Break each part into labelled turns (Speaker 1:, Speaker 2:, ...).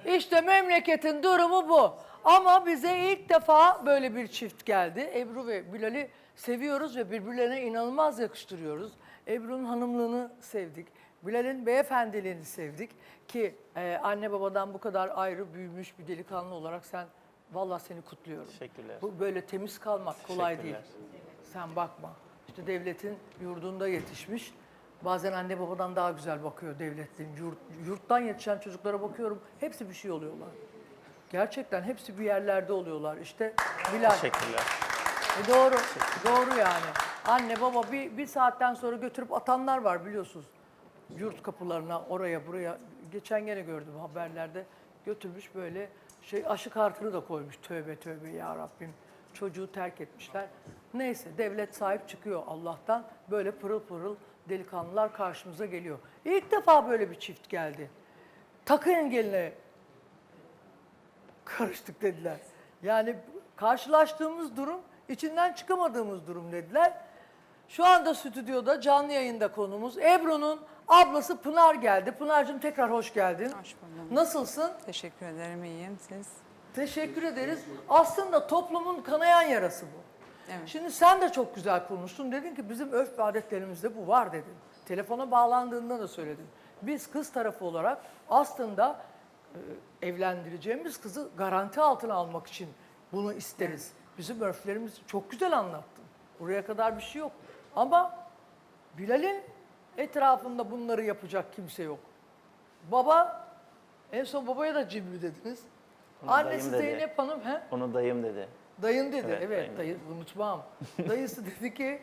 Speaker 1: İşte memleketin durumu bu. Ama bize ilk defa böyle bir çift geldi. Ebru ve Bilal'i seviyoruz ve birbirlerine inanılmaz yakıştırıyoruz. Ebru'nun hanımlığını sevdik. Bilal'in beyefendiliğini sevdik. Ki anne babadan bu kadar ayrı büyümüş bir delikanlı olarak vallahi seni kutluyorum.
Speaker 2: Teşekkürler.
Speaker 1: Bu böyle temiz kalmak kolay değil.
Speaker 2: Teşekkürler.
Speaker 1: Sen bakma. İşte devletin yurdunda yetişmiş. Bazen anne babadan daha güzel bakıyor devletin. Yurttan yetişen çocuklara bakıyorum. Hepsi bir şey oluyorlar. Gerçekten hepsi bir yerlerde oluyorlar. İşte Bilal.
Speaker 2: Teşekkürler.
Speaker 1: Doğru. Doğru yani. Anne baba bir saatten sonra götürüp atanlar var biliyorsunuz. Yurt kapılarına oraya buraya. Geçen gene gördüm haberlerde. Götürmüş böyle aşı kartını da koymuş. Tövbe tövbe ya Rabbim. Çocuğu terk etmişler. Neyse devlet sahip çıkıyor Allah'tan. Böyle pırıl pırıl delikanlılar karşımıza geliyor. İlk defa böyle bir çift geldi. Takı engeline karıştık dediler. Yani karşılaştığımız durum, içinden çıkamadığımız durum dediler. Şu anda stüdyoda canlı yayında konuğumuz Ebru'nun ablası Pınar geldi. Pınar'cığım tekrar hoş geldin.
Speaker 3: Hoş buldum.
Speaker 1: Nasılsın?
Speaker 3: Teşekkür ederim, iyiyim. Siz?
Speaker 1: Teşekkür ederiz. Aslında toplumun kanayan yarası bu.
Speaker 3: Evet.
Speaker 1: Şimdi sen de çok güzel konuştun. Dedin ki bizim örf ve adetlerimizde bu var dedin. Telefona bağlandığında da söyledin. Biz kız tarafı olarak aslında evlendireceğimiz kızı garanti altına almak için bunu isteriz. Bizim örflerimiz çok güzel anlattın. Buraya kadar bir şey yok. Ama Bilal'in etrafında bunları yapacak kimse yok. Baba, en son babaya da cimri dediniz.
Speaker 2: Onu
Speaker 1: Annesi
Speaker 2: dayım dedi.
Speaker 1: Zeynep Hanım,
Speaker 2: Onu dayım dedi.
Speaker 1: dayın dedi,
Speaker 2: Evet,
Speaker 1: evet,
Speaker 2: dayım.
Speaker 1: dayı unutmam. Dayısı dedi ki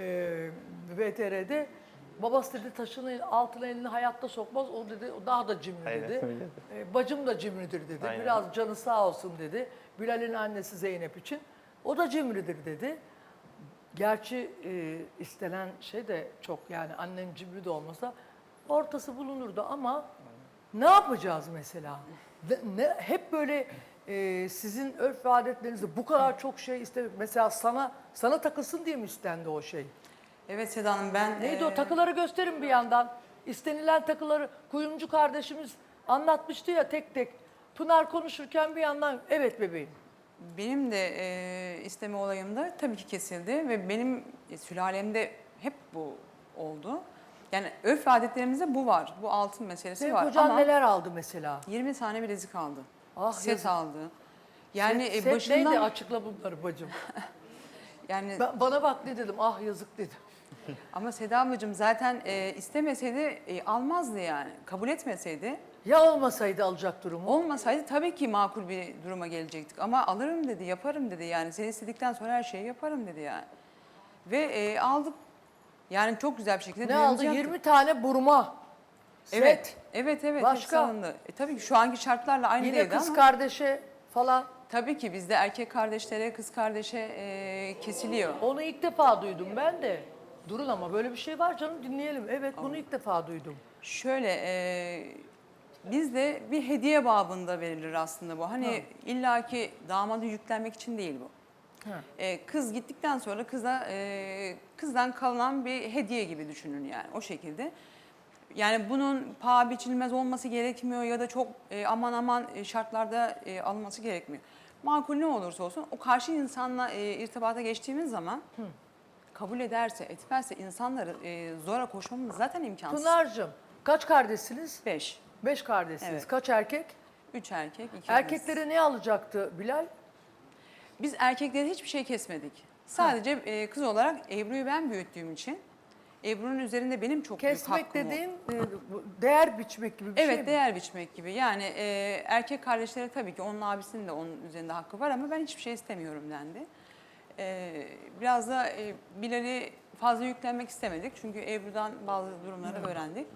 Speaker 1: VTR'de, babası dedi taşın altına elini hayatta sokmaz, o dedi o daha da cimri
Speaker 2: Aynen,
Speaker 1: dedi.
Speaker 2: öyle dedi.
Speaker 1: Bacım da cimridir dedi,
Speaker 2: Aynen.
Speaker 1: biraz canı sağ olsun dedi. Bilal'in annesi Zeynep için, o da cimridir dedi. Gerçi istenen şey de çok, yani annen cimri de olmasa ortası bulunurdu ama ne yapacağız mesela? Hep böyle sizin örf ve adetlerinizde bu kadar çok şey istedik. Mesela sana takılsın diye mi istendi o şey?
Speaker 3: Evet Seda Hanım, ben...
Speaker 1: Neydi o takıları gösterin bir yandan. İstenilen takıları kuyumcu kardeşimiz anlatmıştı ya tek tek. Pınar konuşurken bir yandan evet bebeğim.
Speaker 3: Benim de isteme olayımda tabii ki kesildi ve benim sülalemde hep bu oldu. Yani örf ve adetlerimizde bu var. Bu altın meselesi
Speaker 1: Senin
Speaker 3: var
Speaker 1: kocan
Speaker 3: ama
Speaker 1: neler aldı mesela?
Speaker 3: 20 tane bilezik aldı.
Speaker 1: Ah,
Speaker 3: Set
Speaker 1: yazık.
Speaker 3: aldı. Yani
Speaker 1: Set
Speaker 3: başından...
Speaker 1: neydi, açıkla bunları bacım.
Speaker 3: Yani
Speaker 1: Bana bak ne dedim, ah yazık dedim.
Speaker 3: ama Seda ablacığım zaten istemeseydi almazdı yani. Kabul etmeseydi,
Speaker 1: Ya olmasaydı alacak durumu?
Speaker 3: olmasaydı tabii ki makul bir duruma gelecektik. Ama alırım dedi, yaparım dedi yani. Sen istedikten sonra her şeyi yaparım dedi yani. Ve aldık. Yani çok güzel bir şekilde
Speaker 1: Ne
Speaker 3: düğünümüzü
Speaker 1: aldı?
Speaker 3: yaptık.
Speaker 1: 20 tane burma.
Speaker 3: Evet,
Speaker 1: Set.
Speaker 3: evet.
Speaker 1: Başka?
Speaker 3: hepsi alındı. Tabii ki şu anki şartlarla aynı
Speaker 1: Yine
Speaker 3: değildi
Speaker 1: kız
Speaker 3: ama.
Speaker 1: kardeşe falan.
Speaker 3: Tabii ki bizde erkek kardeşlere, kız kardeşe kesiliyor.
Speaker 1: Onu ilk defa duydum ben de. Durun ama böyle bir şey var canım, dinleyelim. Evet, bunu ilk defa duydum.
Speaker 3: Şöyle, bizde bir hediye babında verilir aslında bu. Hani illaki damadı yüklenmek için değil bu.
Speaker 1: Ha.
Speaker 3: Kız gittikten sonra kızdan kalan bir hediye gibi düşünün yani o şekilde. Yani bunun paha biçilmez olması gerekmiyor ya da çok aman şartlarda alınması gerekmiyor. Makul ne olursa olsun o karşı insanla irtibata geçtiğimiz zaman kabul ederse, etmezse insanları zora koşmamız zaten imkansız.
Speaker 1: Pınar'cığım, kaç kardeşsiniz?
Speaker 3: 5.
Speaker 1: 5 kardeşsiniz.
Speaker 3: Evet.
Speaker 1: Kaç erkek?
Speaker 3: 3 erkek, 2 kız.
Speaker 1: Erkeklere ne alacaktı Bilal?
Speaker 3: Biz erkekleri hiçbir şey kesmedik. Sadece kız olarak Ebru'yu ben büyüttüğüm için Ebru'nun üzerinde benim çok büyük
Speaker 1: Kesmek
Speaker 3: hakkım
Speaker 1: dediğin değer biçmek gibi bir şey
Speaker 3: Evet,
Speaker 1: mi?
Speaker 3: değer biçmek gibi. Yani erkek kardeşlere tabii ki onun abisinin de onun üzerinde hakkı var ama ben hiçbir şey istemiyorum dendi. Biraz da Bilal'i fazla yüklenmek istemedik. Çünkü Ebru'dan bazı durumları öğrendik.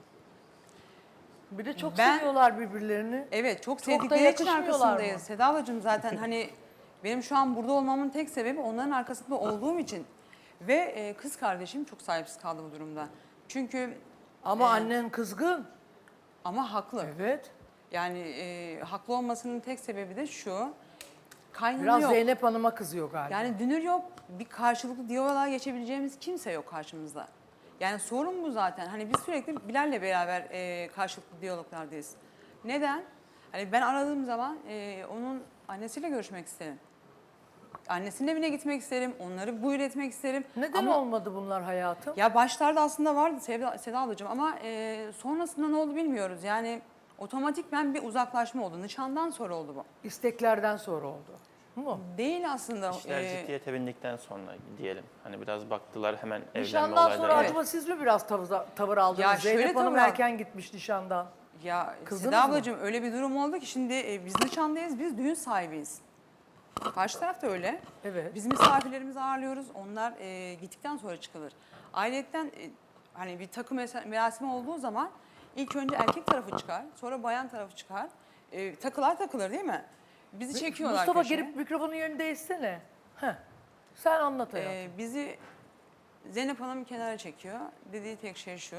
Speaker 1: Bir de çok
Speaker 3: Ben-
Speaker 1: seviyorlar birbirlerini.
Speaker 3: Evet, çok
Speaker 1: da
Speaker 3: sevdikleri için
Speaker 1: yakışmıyorlar
Speaker 3: arkasındayız.
Speaker 1: mı?
Speaker 3: Seda ablacığım zaten hani benim şu an burada olmamın tek sebebi onların arkasında olduğum için. Ve kız kardeşim çok sahipsiz kaldı bu durumda. Çünkü
Speaker 1: Ama annen kızgın.
Speaker 3: ama haklı.
Speaker 1: Evet.
Speaker 3: Yani haklı olmasının tek sebebi de şu. Kaynana
Speaker 1: Biraz
Speaker 3: yok.
Speaker 1: Zeynep Hanım'a kızıyor galiba.
Speaker 3: Yani dünür yok. Bir karşılıklı diyaloğa geçebileceğimiz kimse yok karşımızda. Yani sorun bu zaten. Hani biz sürekli Bilal'le beraber karşılıklı diyaloglardayız. Neden? Hani ben aradığım zaman onun annesiyle görüşmek isterim. Annesinin evine gitmek isterim, onları buyur etmek isterim.
Speaker 1: Neden
Speaker 3: Ama
Speaker 1: olmadı bunlar hayatım?
Speaker 3: ya başlarda aslında vardı Seda ablacığım ama sonrasında ne oldu bilmiyoruz. Yani otomatikmen bir uzaklaşma oldu. Nişandan sonra oldu bu.
Speaker 1: İsteklerden sonra oldu. Mu?
Speaker 3: Değil aslında.
Speaker 2: İşler ciddiyete bindikten sonra diyelim. Hani biraz baktılar hemen evlenme
Speaker 1: Nişandan sonra
Speaker 2: olayları.
Speaker 1: acaba siz mi biraz tavır aldınız?
Speaker 3: Ya şöyle
Speaker 1: Zeynep Hanım
Speaker 3: tavır al-
Speaker 1: erken gitmiş nişandan.
Speaker 3: Ya
Speaker 1: Kızdınız
Speaker 3: Seda
Speaker 1: mı?
Speaker 3: ablacığım öyle bir durum oldu ki şimdi biz nişandayız, biz düğün sahibiyiz. Karşı taraf da öyle.
Speaker 1: Evet.
Speaker 3: Biz misafirlerimizi ağırlıyoruz. Onlar gittikten sonra çıkılır. Ayrıyetten hani bir takım merasimi olduğu zaman ilk önce erkek tarafı çıkar, sonra bayan tarafı çıkar. Takılar takılır değil mi? Bizi çekiyorlar
Speaker 1: Mustafa
Speaker 3: köşeye.
Speaker 1: gelip mikrofonun yerini değişsene. Heh. Sen anlat hayatım.
Speaker 3: Bizi Zeynep Hanım kenara çekiyor. Dediği tek şey şu.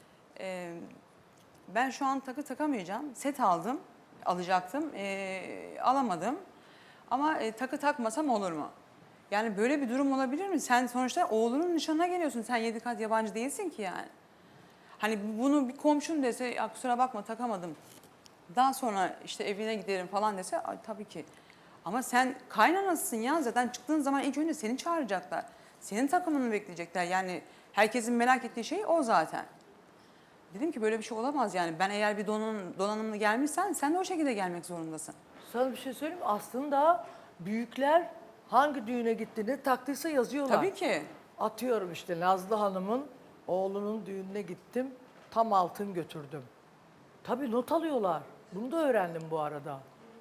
Speaker 3: Ben şu an takı takamayacağım. Set alacaktım. Alamadım. Ama takı takmasam olur mu? Yani böyle bir durum olabilir mi? Sen sonuçta oğlunun nişanına geliyorsun. Sen 7 kat yabancı değilsin ki yani. Hani bunu bir komşun dese, ya kusura bakma takamadım. Daha sonra işte evine giderim falan dese, ay, tabii ki. Ama sen kaynanasısın ya. Zaten çıktığın zaman ilk önce seni çağıracaklar. Senin takımını bekleyecekler. Yani herkesin merak ettiği şey o zaten. Dedim ki böyle bir şey olamaz yani. Ben eğer bir donanımlı gelmişsen sen de o şekilde gelmek zorundasın.
Speaker 1: Sana bir şey söyleyeyim mi? Aslında büyükler hangi düğüne gittiğini taktıysa yazıyorlar.
Speaker 3: Tabii ki.
Speaker 1: Atıyorum işte Nazlı Hanım'ın oğlunun düğününe gittim. Tam altın götürdüm. Tabii not alıyorlar. Bunu da öğrendim bu arada.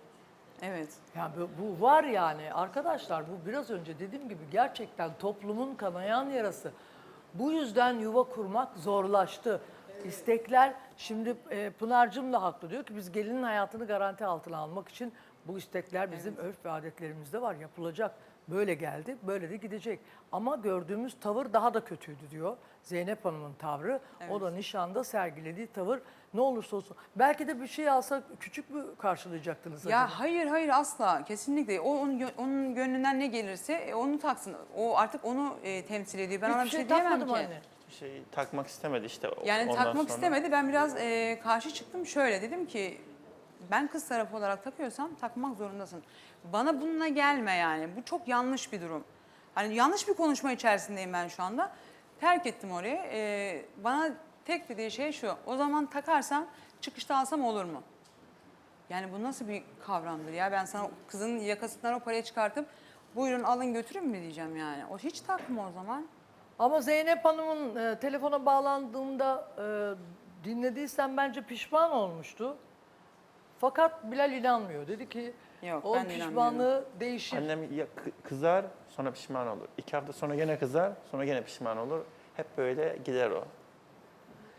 Speaker 3: Evet.
Speaker 1: Ya bu var yani arkadaşlar, bu biraz önce dediğim gibi gerçekten toplumun kanayan yarası. Bu yüzden yuva kurmak zorlaştı. İstekler şimdi Pınar'cığım da haklı, diyor ki biz gelinin hayatını garanti altına almak için bu istekler bizim örf ve adetlerimizde var, yapılacak. Böyle geldi, böyle de gidecek. Ama gördüğümüz tavır daha da kötüydü diyor Zeynep Hanım'ın tavrı. O da nişanda sergilediği tavır ne olursa olsun. Belki de bir şey alsa küçük mü karşılayacaktınız
Speaker 3: Ya
Speaker 1: acaba?
Speaker 3: hayır asla kesinlikle. Onun gönlünden ne gelirse onu taksın. O artık onu temsil ediyor. Ben ona bir
Speaker 1: Hiçbir
Speaker 3: şey diyemem
Speaker 1: takmadım
Speaker 3: ki.
Speaker 1: anne.
Speaker 2: Bir şey takmak istemedi işte.
Speaker 3: Yani
Speaker 2: ondan
Speaker 3: takmak
Speaker 2: sonra.
Speaker 3: istemedi. Ben biraz karşı çıktım. Şöyle dedim ki ben kız tarafı olarak takıyorsam takmak zorundasın. Bana bununla gelme yani. Bu çok yanlış bir durum. Hani yanlış bir konuşma içerisindeyim ben şu anda. Terk ettim orayı. Bana tek dediği şey şu. O zaman takarsam çıkışta alsam olur mu? Yani bu nasıl bir kavramdır ya? Ben sana kızın yakasından o parayı çıkartıp buyurun alın götürün mü diyeceğim yani. O hiç takma o zaman.
Speaker 1: Ama Zeynep Hanım'ın telefona bağlandığımda dinlediysen bence pişman olmuştu. Fakat Bilal inanmıyor. Dedi ki
Speaker 3: Yok,
Speaker 1: o
Speaker 3: ben de
Speaker 1: pişmanlığı değişir.
Speaker 2: Annem ya kızar sonra pişman olur. 2 hafta sonra gene kızar sonra gene pişman olur. Hep böyle gider o.